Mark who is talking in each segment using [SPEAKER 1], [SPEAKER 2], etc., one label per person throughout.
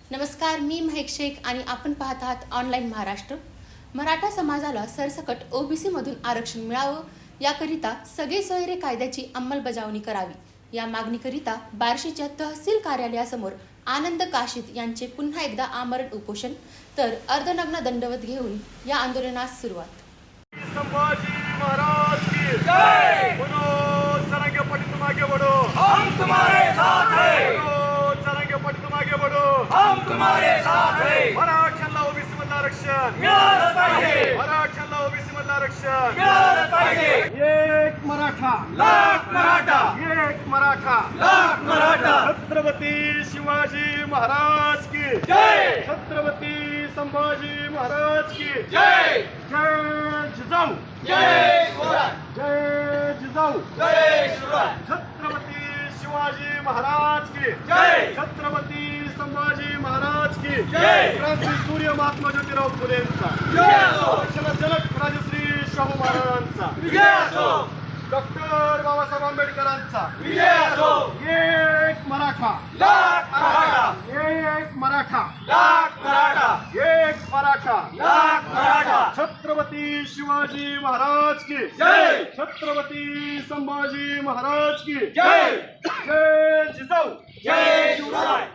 [SPEAKER 1] नमस्कार, मी महक शेख आणि आपण पाहत आहात ऑनलाईन महाराष्ट्र। मराठा समाजाला सरसकट ओबीसी मधून आरक्षण मिळावं याकरिता सगळे सोयरे कायद्याची अंमलबजावणी करावी या मागणीकरिता बार्शीच्या तहसील कार्यालयासमोर आनंद काशीद यांचे पुन्हा एकदा आमरण उपोषण तर अर्धनग्न दंडवत घेऊन या आंदोलनास सुरुवात।
[SPEAKER 2] संभाजी महाराज की जय। बोलो चरंगे पटी तुम आगे बढ़ो, हम तुम्हारे साथ हैं। बोलो चरंगे पटी तुम आगे बढ़ो, हम तुम्हारे साथ हैं। मराठ्यांना ओबीसी मधलं आरक्षण मिळालं पाहिजे, मराठ्यांना ओबीसी मधलं आरक्षण मिळालं पाहिजे। एक मराठा लाख मराठा, एक मराठा लाख मराठा। छत्रपती शिवाजी महाराज की जय, छत्रपती संभाजी महाराज की जय। जय जिजाऊ, जय शिवराय, जय जिजाऊ, जय शिवराय। छत्रपती शिवाजी महाराज की जय, छत्रपती संभाजी महाराज की जय। क्रांती सूर्य महात्मा ज्योतिराव फुलेंचा विजय असो, जनक राजश्री शाहू महाराजांचा विजय असो, डॉक्टर बाबासाहेब आंबेडकरांचा विजय असो। एक मराठा लाख मराठा, एक मराठा लाख मराठा, एक मराठा लाख मराठा। छत्रपती शिवाजी महाराज की जय, छत्रपती संभाजी महाराज की जय। जय जिजाऊ, जय शिवराय।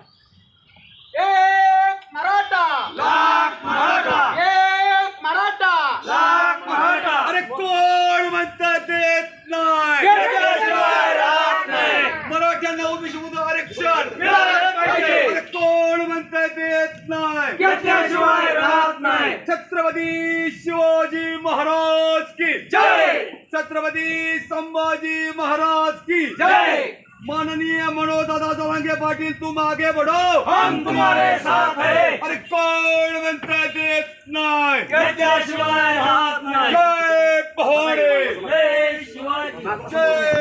[SPEAKER 3] एक मराठा
[SPEAKER 2] लाख मराठा,
[SPEAKER 3] एक मराठा
[SPEAKER 2] लाख मराठा। अरे कोण म्हणतात देत नाही,
[SPEAKER 3] घेतल्याशिवाय राहत नाही।
[SPEAKER 2] मराठ्यांना ओबीसी मधून आरक्षण
[SPEAKER 3] मिळालंच पाहिजे।
[SPEAKER 2] अरे कोण म्हणतात देत नाही,
[SPEAKER 3] घेतल्याशिवाय राहत नाही।
[SPEAKER 2] छत्रपती शिवाजी महाराज की
[SPEAKER 3] जय,
[SPEAKER 2] छत्रपती संभाजी महाराज की
[SPEAKER 3] जय।
[SPEAKER 2] माननीय मनोज दादा जरांगे पाटील तुम आगे बढ़ो,
[SPEAKER 3] हम तुम्हारे साथ हैं।
[SPEAKER 2] अरे कोण म्हणतात देत नाही,
[SPEAKER 3] घेतल्याशिवाय राहत नाही।
[SPEAKER 2] जय पहाडे,
[SPEAKER 3] जय शिवाजी,
[SPEAKER 2] जय